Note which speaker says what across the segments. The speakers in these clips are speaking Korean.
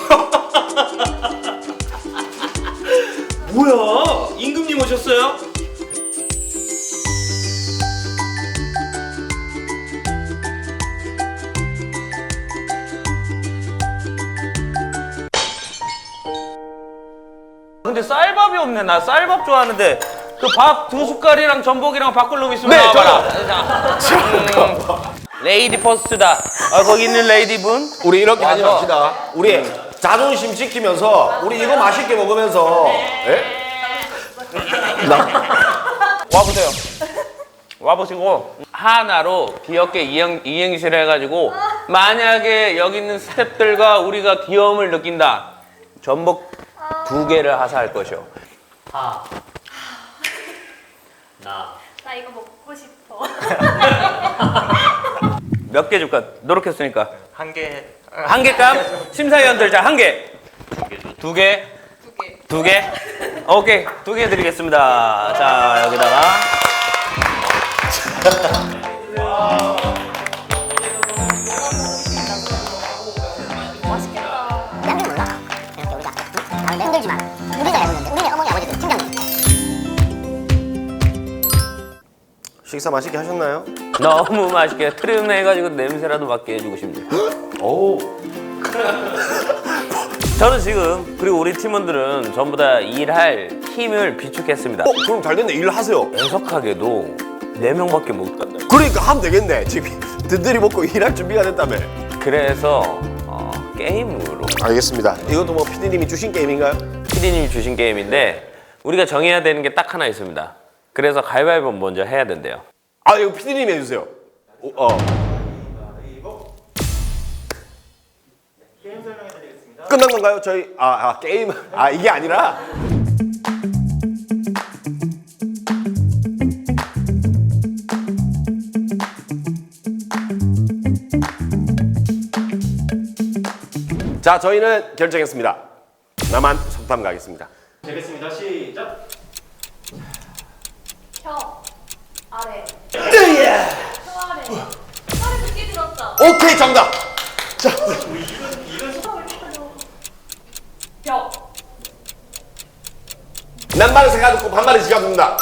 Speaker 1: 뭐야? 임금님 오셨어요? 근데 쌀밥이 없네. 나 쌀밥 좋아하는데 그 밥 2숟갈이랑 전복이랑 바꿀 놈 있으면
Speaker 2: 네,
Speaker 1: 나와봐라. 레이디 퍼스트다. 거기 있는 레이디분.
Speaker 2: 우리 이렇게 하지
Speaker 1: 와서.
Speaker 2: 맙시다. 우리 자존심 지키면서 우리 이거 맛있게 먹으면서
Speaker 1: 와보세요. 와보시고 하나로 귀엽게 이행시를 해가지고 만약에 여기 있는 스태프들과 우리가 귀여움을 느낀다. 전복 2개를 하사할 것이오.
Speaker 3: 나 이거 먹고 싶어.
Speaker 1: 몇 개 줄까? 노력했으니까.
Speaker 4: 한 개.
Speaker 1: 한 개값? 심사위원들 자, 한 개. 2개. 2개. 오케이. 2개 드리겠습니다. 자, 여기다가.
Speaker 5: 양념 몰라. 이렇게 우리가 근데 힘들지만 우리가 해보는데 우리네 어머니 아버지들 팀장님.
Speaker 2: 식사 맛있게 하셨나요?
Speaker 1: 너무 맛있게 트림 해가지고 냄새라도 맡게 해주고 싶네요.
Speaker 2: 오.
Speaker 1: 저는 지금 그리고 우리 팀원들은 전부 다 일할 힘을 비축했습니다.
Speaker 2: 그럼 잘 됐네. 일하세요.
Speaker 1: 애석하게도 4명밖에 못 간다.
Speaker 2: 그러니까 하면 되겠네. 지금 든든히 먹고 일할 준비가 됐다며.
Speaker 1: 그래서 게임으로
Speaker 2: 알겠습니다. 이것도 뭐 PD님이 주신 게임인가요?
Speaker 1: PD님이 주신 게임인데 우리가 정해야 되는 게 딱 하나 있습니다. 그래서 가위바위보 먼저 해야 된대요.
Speaker 2: 아 이거 PD님이 해주세요.
Speaker 4: 게임 설명해드리겠습니다.
Speaker 2: 끝난 건가요? 저희 게임 이게 아니라 자 저희는 결정했습니다. 나만 속담 가겠습니다.
Speaker 4: 되겠습니다. 시작.
Speaker 3: 혀 아래. 혀 아래. 혀 아래 듣기 들었죠?
Speaker 2: 오케이 정답. 자
Speaker 3: 벽.
Speaker 2: 낱말을 제가 듣고 반말을 지가 듣는다.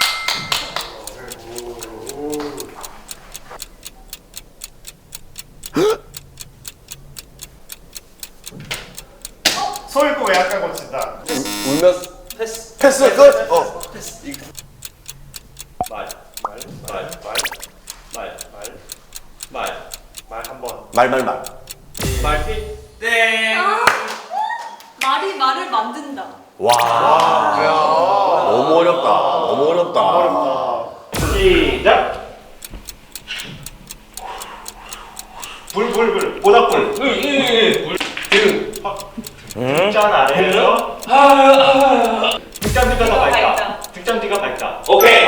Speaker 4: 소 읽고 왜 약간 고친다.
Speaker 2: 울면 패스 끝.
Speaker 4: 말 한 번.
Speaker 2: 말말말.
Speaker 1: 땡.
Speaker 3: 말이 말을 만든다.
Speaker 2: 와. 너무 어렵다. 너무 어렵다.
Speaker 4: 시작. 불 보답불. 등잔 아래에서 등잔 뒤가 더 밝다. 등잔 뒤가 밝다.
Speaker 1: 오케이.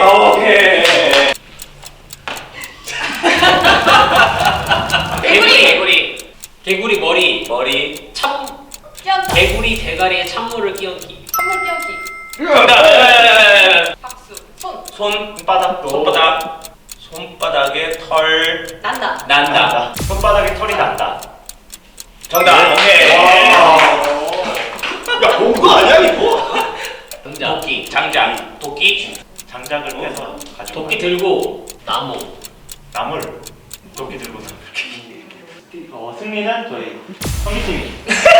Speaker 6: 개구리 머리 참
Speaker 3: 끼얹다.
Speaker 6: 개구리 대가리에 찬물을 끼얹기.
Speaker 3: 선물 끼얹기.
Speaker 1: 정답.
Speaker 3: 박수. 손.
Speaker 4: 손바닥도
Speaker 1: 손바닥에 털
Speaker 3: 난다.
Speaker 1: 난다.
Speaker 4: 손바닥에 털이 난다.
Speaker 1: 정답. 오케이.
Speaker 2: 야 공부 아니야 이거?
Speaker 6: 등장.
Speaker 1: 도끼, 장장, 도끼.
Speaker 4: 장작을 빼서 가지고
Speaker 6: 도끼 들고 나무.
Speaker 4: 나물 도끼 들고 나물. 승리는 저희 성기팀이.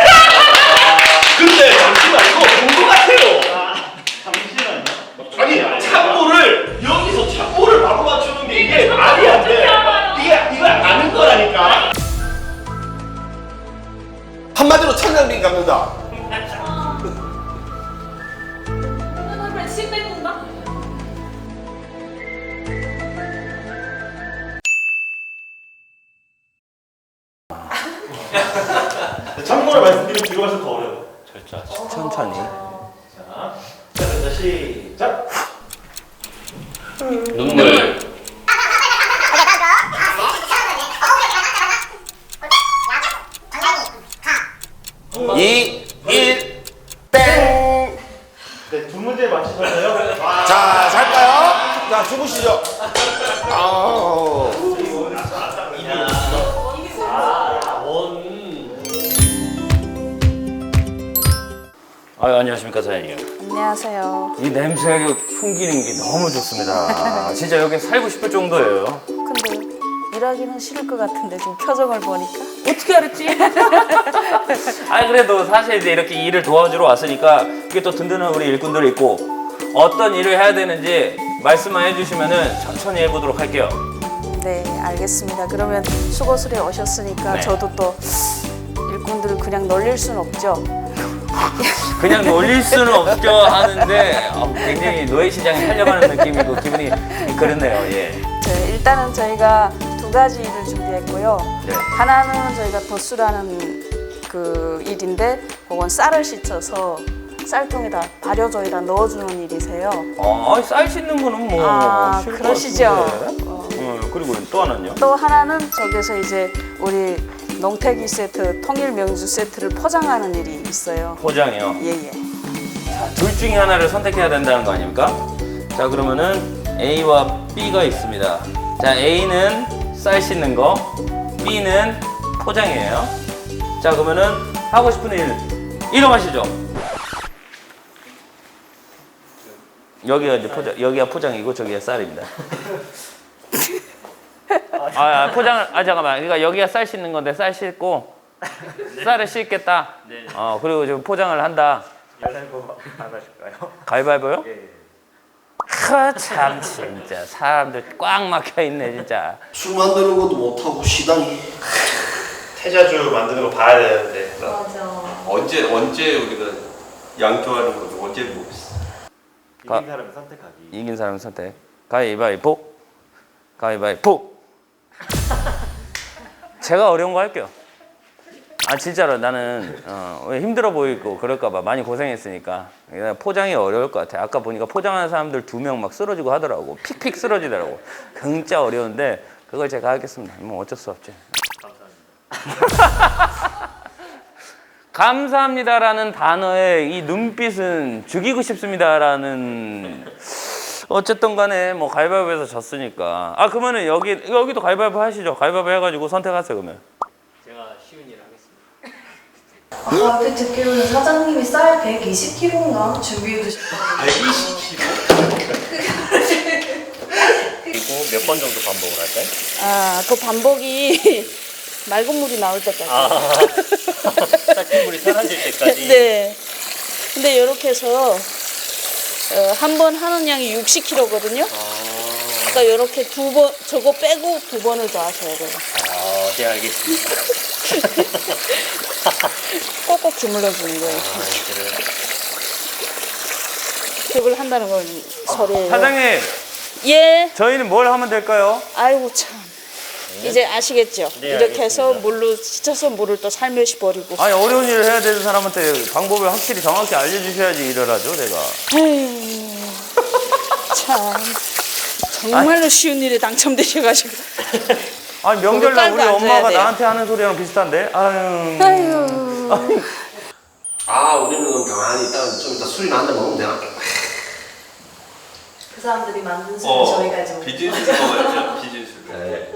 Speaker 2: 근데 잠시만 이거 공부 같아요.
Speaker 4: 잠시만요.
Speaker 2: 아니 참모를 여기서 참모를 바로 맞추는 게 이게 말이 안 돼. 이걸 아는 거라니까. 한마디로 천장빈 갚는다.
Speaker 3: 그러면 실 뺏는다.
Speaker 4: 참고를 말씀드리면 뒤로 가서 더 어려워요.
Speaker 1: 천천히.
Speaker 4: 자, 그래서 시작.
Speaker 6: 눈물.
Speaker 2: 이, 일, 땡.
Speaker 4: 네, 두 문제 맞추셨어요.
Speaker 2: 자, 잘까요? 자, 주무시죠. 아우.
Speaker 1: 안녕하십니까 사장님.
Speaker 7: 안녕하세요.
Speaker 1: 이 냄새 풍기는 게 너무 좋습니다. 진짜 여기 살고 싶을 정도예요.
Speaker 7: 근데 일하기는 싫을 것 같은데 지금 표정을 보니까.
Speaker 1: 어떻게 알았지? 그래도 사실 이제 이렇게 일을 도와주러 왔으니까 이게 또 든든한 우리 일꾼들 있고 어떤 일을 해야 되는지 말씀만 해주시면은 천천히 해보도록 할게요.
Speaker 7: 네, 알겠습니다. 그러면 수고스레 오셨으니까
Speaker 1: 네.
Speaker 7: 저도 또 일꾼들을 그냥 놀릴 수는 없죠.
Speaker 1: 그냥 놀릴 수는 없죠 하는데 굉장히 노예시장에 살려가는 느낌이고 기분이 그렇네요. 예.
Speaker 7: 네, 일단은 저희가 두 가지 일을 준비했고요.
Speaker 1: 네.
Speaker 7: 하나는 저희가 도수라는 그 일인데 그건 쌀을 씻어서 쌀통에다 발효조에다 넣어주는 일이세요.
Speaker 1: 쌀 씻는 거는 뭐 쉬울 것
Speaker 7: 그러시죠.
Speaker 1: 같은데. 그리고 또 하나는요?
Speaker 7: 또 하나는 저기서 이제 우리 농태기 세트, 통일 명주 세트를 포장하는 일이 있어요.
Speaker 1: 포장이요.
Speaker 7: 예예.
Speaker 1: 둘 중에 하나를 선택해야 된다는 거 아닙니까? 자 그러면은 A와 B가 있습니다. 자 A는 쌀 씻는 거, B는 포장이에요. 자 그러면은 하고 싶은 일 이동하시죠. 여기가 이제 여기가 포장이고 저기가 쌀입니다. 포장을 잠깐만. 그러니까 여기가 쌀 씻는 건데 쌀 씻고 쌀을 씻겠다. 그리고 지금 포장을 한다.
Speaker 4: 가위바위보 안 하실까요?
Speaker 1: 가위바위보요?
Speaker 4: 예.
Speaker 1: 참 진짜 사람들 꽉 막혀 있네 진짜.
Speaker 2: 술 만드는 것도 못하고 시다니.
Speaker 4: 태자주 만드는 거 봐야 되는데
Speaker 3: 맞아.
Speaker 8: 언제 우리가 양조하는 거죠? 언제 뭐
Speaker 4: 이긴 사람이 선택하기.
Speaker 1: 이긴 사람 선택. 가위바위보. 가위바위보. 제가 어려운 거 할게요. 진짜로 나는 왜 힘들어 보이고 그럴까봐 많이 고생했으니까 포장이 어려울 것 같아. 아까 보니까 포장하는 사람들 2명 막 쓰러지고 하더라고. 픽픽 쓰러지더라고. 진짜 어려운데 그걸 제가 하겠습니다. 뭐 어쩔 수 없지. 감사합니다라는 단어의 이 눈빛은 죽이고 싶습니다라는. 어쨌든 간에 뭐 가위바위보에서 졌으니까. 그러면은 여기도 가위바위보 하시죠. 가위바위보 해가지고 선택하세요 그러면.
Speaker 6: 제가 쉬운 일 하겠습니다.
Speaker 3: 아까 앞에 듣기로는 사장님이 쌀 120kg인가 준비해 두셨다고.
Speaker 2: 120kg?
Speaker 4: 그리고 몇 번 정도 반복을 할까요?
Speaker 7: 그 반복이 맑은 물이 나올 때까지.
Speaker 4: 삭힌 물이 사라질 때까지.
Speaker 7: 네. 근데 이렇게 해서 한 번 하는 양이 60kg거든요. 그러니까 이렇게 두 번, 저거 빼고 2번을 더 하셔야 돼요.
Speaker 4: 네 알겠습니다.
Speaker 7: 꼭꼭 주물러 주는 거예요. 그걸 한다는 건 소리예요.
Speaker 1: 사장님
Speaker 7: 예.
Speaker 1: 저희는 뭘 하면 될까요?
Speaker 7: 아이고 참. 이제 아시겠죠?
Speaker 4: 네,
Speaker 7: 이렇게 해서
Speaker 4: 알겠습니다.
Speaker 7: 물로 씻어서 물을 또 살며시 버리고.
Speaker 1: 어려운 일을 해야 되는 사람한테 방법을 확실히 정확히 알려주셔야지 일을 하죠 내가.
Speaker 7: 에휴, 참. 정말로 쉬운 일에 당첨되셔가지고.
Speaker 1: 명절날
Speaker 7: 깔고
Speaker 1: 우리
Speaker 7: 앉아야
Speaker 1: 엄마가
Speaker 7: 돼요.
Speaker 1: 나한테 하는 소리랑 비슷한데?
Speaker 7: 아유.
Speaker 2: 우리는 그럼 가만히 있다가 좀 이따 술이나 한잔 먹으면 되나?
Speaker 3: 그 사람들이 만든 술을 저희가 이제
Speaker 8: 비즈니스 먹어야죠. 비즈니스.
Speaker 2: 네.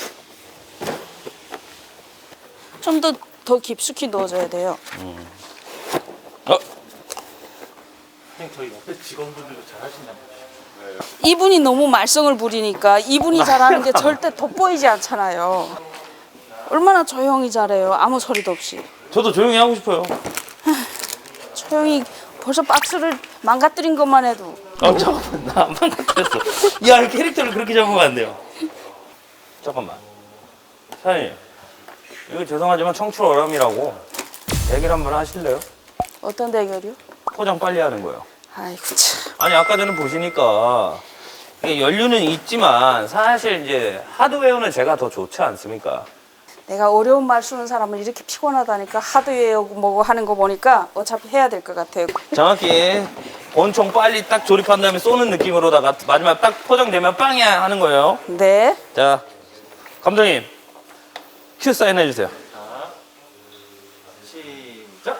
Speaker 7: 좀 더 깊숙이 넣어줘야 돼요.
Speaker 4: 저희 옆에 직원분들도 잘하신다고.
Speaker 7: 이분이 너무 말썽을 부리니까 이분이 잘하는 게 절대 돋보이지 않잖아요. 얼마나 조용히 잘해요. 아무 소리도 없이.
Speaker 1: 저도 조용히 하고 싶어요.
Speaker 7: 조용히 벌써 박스를 망가뜨린 것만 해도.
Speaker 1: 잠깐만 나 안 망가뜨렸어. 야, 이 캐릭터를 그렇게 잡으면 안 돼요. 잠깐만. 사장님, 이거 죄송하지만 청출어람이라고 대결 한번 하실래요?
Speaker 7: 어떤 대결이요?
Speaker 1: 포장 빨리 하는 거요.
Speaker 7: 아이고 참.
Speaker 1: 아까 전에 보시니까 이게 연륜은 있지만 사실 이제 하드웨어는 제가 더 좋지 않습니까?
Speaker 7: 내가 어려운 말 쓰는 사람을 이렇게 피곤하다니까 하드웨어 뭐고 하는 거 보니까 어차피 해야 될 것 같아요.
Speaker 1: 정확히 권총 빨리 딱 조립한 다음에 쏘는 느낌으로다가 마지막 딱 포장되면 빵이야 하는 거예요.
Speaker 7: 네.
Speaker 1: 자, 감독님 큐 사인 해주세요.
Speaker 4: 시작.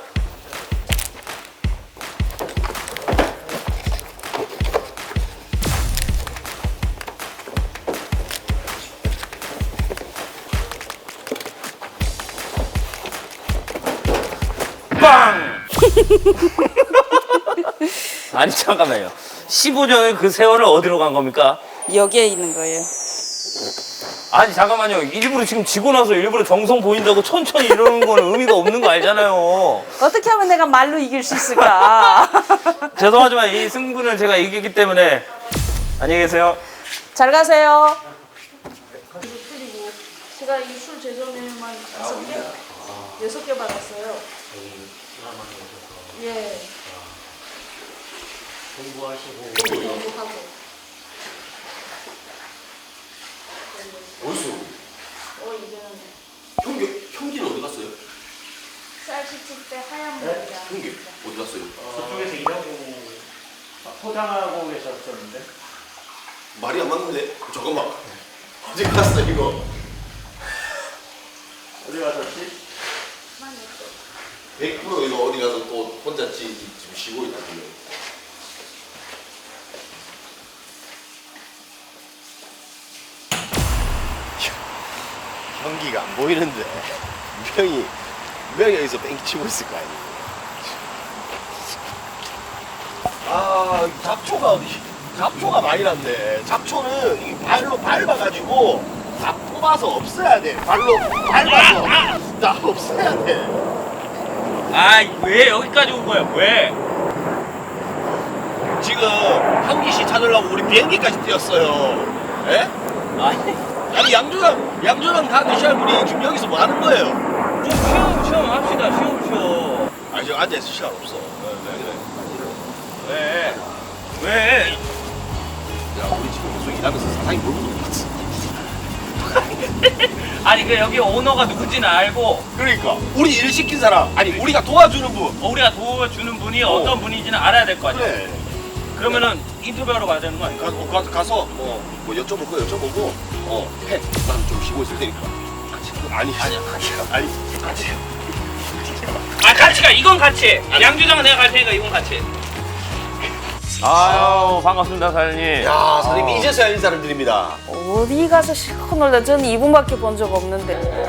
Speaker 1: 빵! 아니 잠깐만요. 15년의 그 세월을 어디로 간 겁니까?
Speaker 7: 여기에 있는 거예요.
Speaker 1: 아니 잠깐만요. 일부러 지금 지고 나서 일부러 정성 보인다고 천천히 이러는 거는 의미가 없는 거 알잖아요.
Speaker 7: 어떻게 하면 내가 말로 이길 수 있을까?
Speaker 1: 죄송하지만 이 승부는 제가 이기기 때문에 안녕히 계세요.
Speaker 7: 잘 가세요. 제가 이 술 제조면만 5개? 6개 받았어요. 예. 공부하고.
Speaker 2: 어디서?
Speaker 7: 이제는
Speaker 2: 형기는 어디 갔어요?
Speaker 7: 쌀 씻을 때 하얀 머리가.
Speaker 2: 형기 어디 갔어요?
Speaker 4: 저쪽에서 일하고 포장하고 계셨었는데.
Speaker 2: 말이 안 맞는데? 잠깐만. 어디 갔어 이거?
Speaker 4: 어디 가셨지?
Speaker 2: 100% 이거 어디 가서 또 혼자 지금 쉬고 있다 지금. 형기가 안 보이는데 분명히 여기서 뺑기 치고 있을 거 아니에요. 아 잡초가 많이 났네. 잡초는 이 발로 밟아가지고 다 뽑아서 없애야 돼. 발로 밟아서 다 없애야 돼.
Speaker 1: 아 왜 여기까지 온 거야? 왜?
Speaker 2: 지금 형기 씨 찾으려고 우리 비행기까지 뛰었어요. 예? 아니 양조랑 다 드셔야 우리 지금 여기서 뭐 하는 거예요?
Speaker 1: 좀 시험 합시다. 시험.
Speaker 2: 아니 지금 앉아있을 시간 없어. 왜?
Speaker 1: 왜?
Speaker 2: 야 우리 지금 계속 일하면서 사장이 뭘 보는 거 같지?
Speaker 1: 아니 그 여기 오너가 누군지는 알고
Speaker 2: 그러니까 우리 일 시킨 사람 아니 우리가 도와주는 분.
Speaker 1: 우리가 도와주는 분이 어떤 분인지는 알아야 될 거 아니야.
Speaker 2: 그래.
Speaker 1: 그러면은 인터뷰하러 가야 되는 거 아니야?
Speaker 2: 가서 뭐 여쭤볼 거 여쭤보고 해. 난 좀 쉬고 있을 테니까. 같이. 아니 같이.
Speaker 1: 아 같이 가. 이건 같이. 양주장은 내가 갈 테니까 이건 같이. 아유 반갑습니다 사장님.
Speaker 2: 야 선생님 이제서야 인사를 드립니다.
Speaker 7: 어디 가서 실컷 놀다. 저는 이분밖에 본 적 없는데.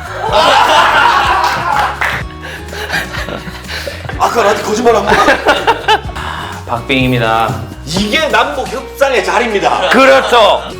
Speaker 2: 아까 나한테 거짓말한 거야?
Speaker 1: 박빙입니다.
Speaker 2: 이게 남북 협상의 자리입니다.
Speaker 1: 그렇죠.